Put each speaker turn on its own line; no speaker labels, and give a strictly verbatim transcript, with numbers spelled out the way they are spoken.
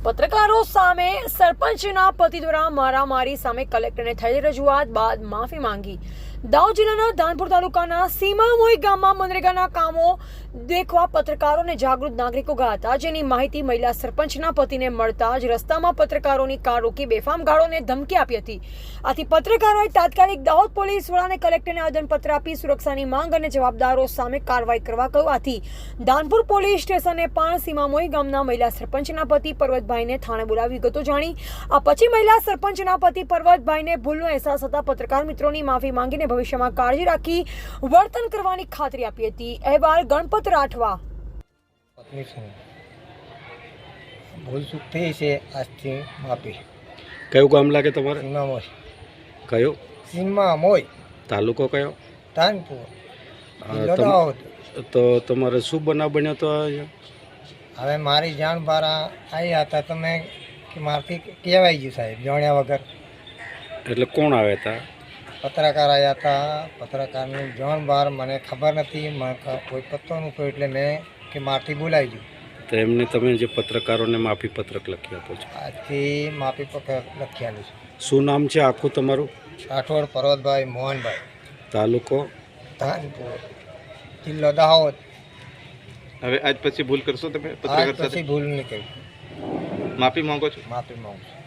પત્રકારો સામે સરપંચના પતિ દ્વારા મારામારી સામે કલેક્ટરને થયેલી રજૂઆત બાદ માફી માંગી। દાહોદ જિલ્લાના ધાનપુર તાલુકાના સીમામોઈ ગામમાં મનરેગાના કામો દેખવા પત્રકારોને જાગૃત નાગરિકો ગયા હતા, જેની માહિતી મહિલા સરપંચના પતિને મળતા જ રસ્તામાં પત્રકારોની કાર રોકી બેફામ ગાળોને ધમકી આપી હતી। આથી પત્રકારોએ તાત્કાલિક દાહોદ પોલીસ વડાને કલેક્ટરને આવેદનપત્ર આપી સુરક્ષાની માંગ અને જવાબદારો સામે કાર્યવાહી કરવા કહ્યું। આથી ધાનપુર પોલીસ સ્ટેશને પણ સીમામોઈ ગામના મહિલા સરપંચના પતિ પર્વતભાઈને થાણે બોલાવી વિગતો જાણી આ પછી મહિલા સરપંચના પતિ પર્વતભાઈને ભૂલનો અહેસાસ થતા પત્રકાર મિત્રોની માફી માંગીને ભવિષ્યમાં કાળજી રાખી વર્તન કરવાની ખાતરી આપી હતી। અહેવાલ ગણપત રાઠવા।
પત્ની છું, ભૂલ ચૂક થઈ છે, આજથી માફી।
કયું ગામ લાગે તમારે?
સીમામોઈ।
કયું?
સીમામોઈ,
તાલુકો કયો?
ધાનપુર,
અ,
જિલ્લો
તમ-
દાહોદ।
તો તમારે શું બનાવ બન્યો તો અહીંયા?
હવે મારી જાણ બહાર આવ્યા હતા, તમે કે મારથી કહેવાય ગયું સાહેબ, જાણ્યા વગર।
એટલે કોણ આવ્યા હતા?
પત્રકાર આવ્યા હતા, પત્રકારની જાણ બહાર મને ખબર નથી, મને ખ- કોઈ પત્તો નહોતો, એટલે મેં કે મારથી બોલાવી ગયું।
તો એમને તમે જે પત્રકારોને માફી પત્રક લખી આપો છો,
આજથી માફી પત્ર લખ્યાલું છે।
શું નામ છે આખું તમારું?
રાઠોડ પર્વતભાઈ મોહનભાઈ,
તાલુકો?
ધાનપુર, જિલ્લો દાહોદ।
હવે આજ પછી ભૂલ કરશો તમે
આજ
પત્રકાર સાથે?
પછી ભૂલ નહીં કરી,
માફી માંગો છો?
માફી માંગુ છું।